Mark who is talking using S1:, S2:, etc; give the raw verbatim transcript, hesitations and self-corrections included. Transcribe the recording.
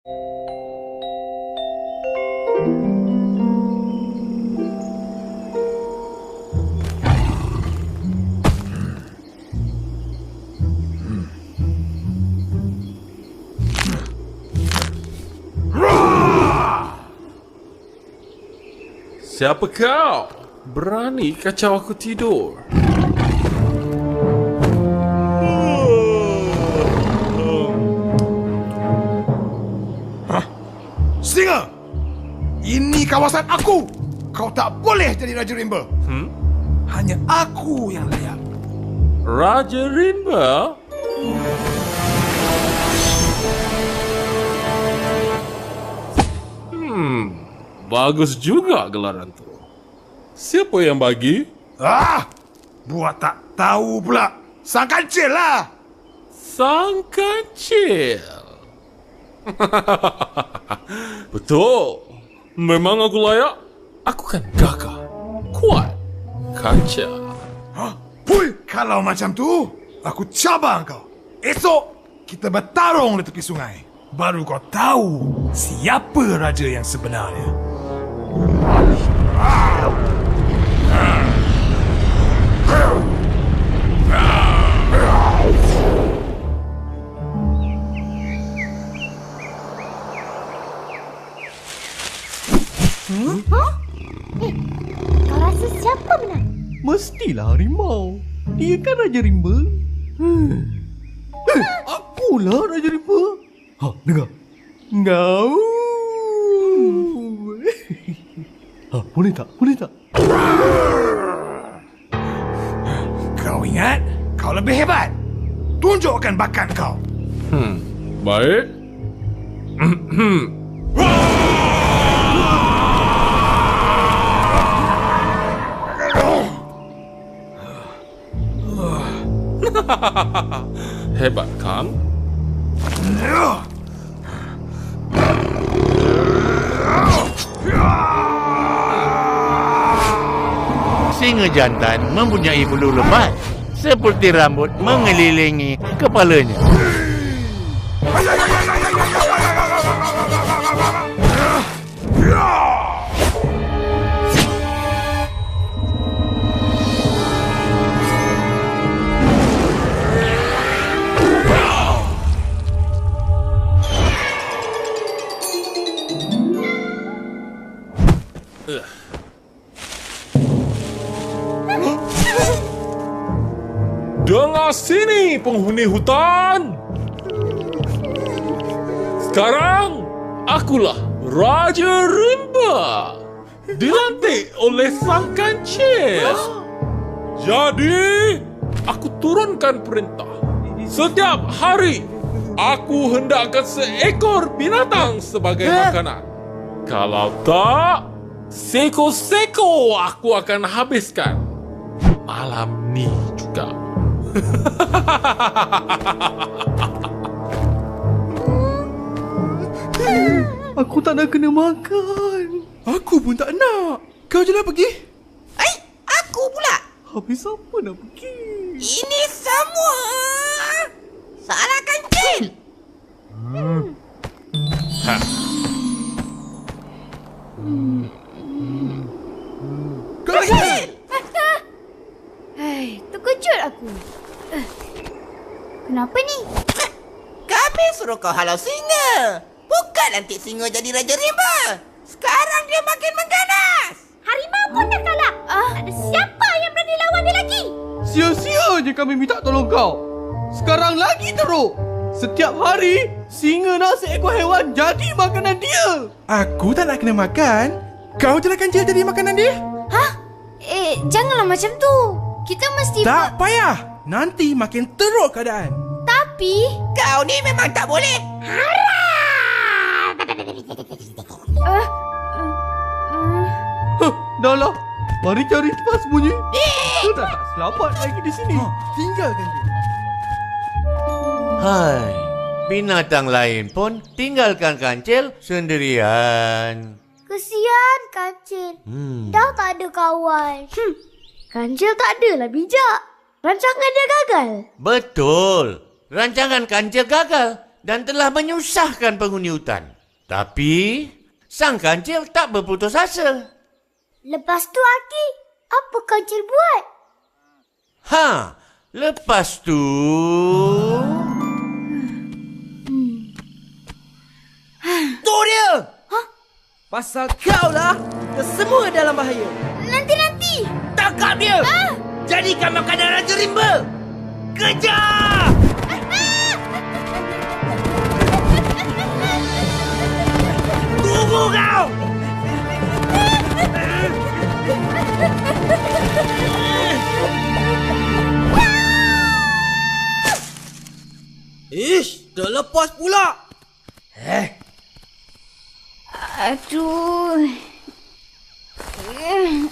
S1: Siapa kau? Berani kacau aku tidur?
S2: Hah? Singa! Ini kawasan aku! Kau tak boleh jadi Raja Rimba.
S1: Hmm?
S2: Hanya aku yang layak.
S1: Raja Rimba? Hmm, bagus juga gelaran tu. Siapa yang bagi?
S2: Ah! Buat tak tahu pula. Sang kancil lah!
S1: Sang Kancil. Betul. Memang aku layak. Aku kan gagah, kuat, kancil.
S2: Hah? Pui, kalau macam tu, aku cabar kau. Esok, kita bertarung di tepi sungai. Baru kau tahu siapa raja yang sebenarnya.
S3: Hmm? Huh? Eh, kau rasa siapa menang?
S4: Mestilah harimau. Dia kan Raja Rimba. Hmm. Eh, akulah Raja Rimba. Ha, dengar. Ngau. Ha, boleh tak? Boleh tak?
S2: Kau ingat? Kau lebih hebat. Tunjukkan bakat kau.
S1: Hmm, baik. Hebat kan?
S5: Singa jantan mempunyai bulu lebat seperti rambut mengelilingi kepalanya.
S1: Dengar sini, penghuni hutan. Sekarang, akulah Raja Rimba. Dilantik oleh Sang Kancil. Jadi, aku turunkan perintah. Setiap hari, aku hendakkan seekor binatang sebagai makanan. Kalau tak, seko-seko aku akan habiskan. Malam ni juga.
S4: Aku tak nak kena makan.
S6: Aku pun tak nak. Kau je lah pergi.
S7: Ai, aku pula.
S4: Habis apa nak pergi?
S7: Ini semua salah Kancil.
S1: Hmm. Ha.
S7: Kancil!
S3: Hai, terkejut aku. Eh, kenapa ni?
S7: Kami suruh kau halau singa. Bukan lantik singa jadi Raja Rimba. Sekarang dia makin mengganas.
S3: Harimau pun dah kalah. Ah, siapa yang berani lawan dia lagi?
S4: Sia-sia je kami minta tolong kau. Sekarang lagi teruk. Setiap hari, singa nak seekor hewan jadi makanan dia.
S6: Aku tak nak kena makan. Kau je lah Kancil jadi makanan dia.
S3: Hah? Eh, janganlah macam tu. Kita mesti...
S6: Tak payah. Nanti makin teruk keadaan.
S3: Tapi...
S7: Kau ni memang tak boleh.
S3: Uh, uh, uh.
S4: Huh, dah lah. Mari cari tempat sembunyi. Kita dah tak selamat lagi di sini.
S6: Ha, tinggalkan dia.
S5: Hai, binatang lain pun tinggalkan Kancil sendirian.
S3: Kesian Kancil.
S5: Hmm.
S3: Dah tak ada kawan. Hmm. Kancil tak adalah bijak. Rancangan dia gagal.
S5: Betul. Rancangan Kancil gagal. dan telah menyusahkan penghuni hutan. Tapi, sang kancil tak berputus asa.
S3: Lepas tu, Aki, apa kancil buat?
S5: Ha, lepas tu...
S7: Tu dia!
S8: Pasal kau lah, kita semua dalam bahaya.
S3: Nanti-nanti.
S7: Tangkap dia!
S3: Ah!
S7: Jadikan makanan Raja Rimba! Kejar! Tunggu kau!
S8: Ish, dah lepas pula.
S3: Aduh.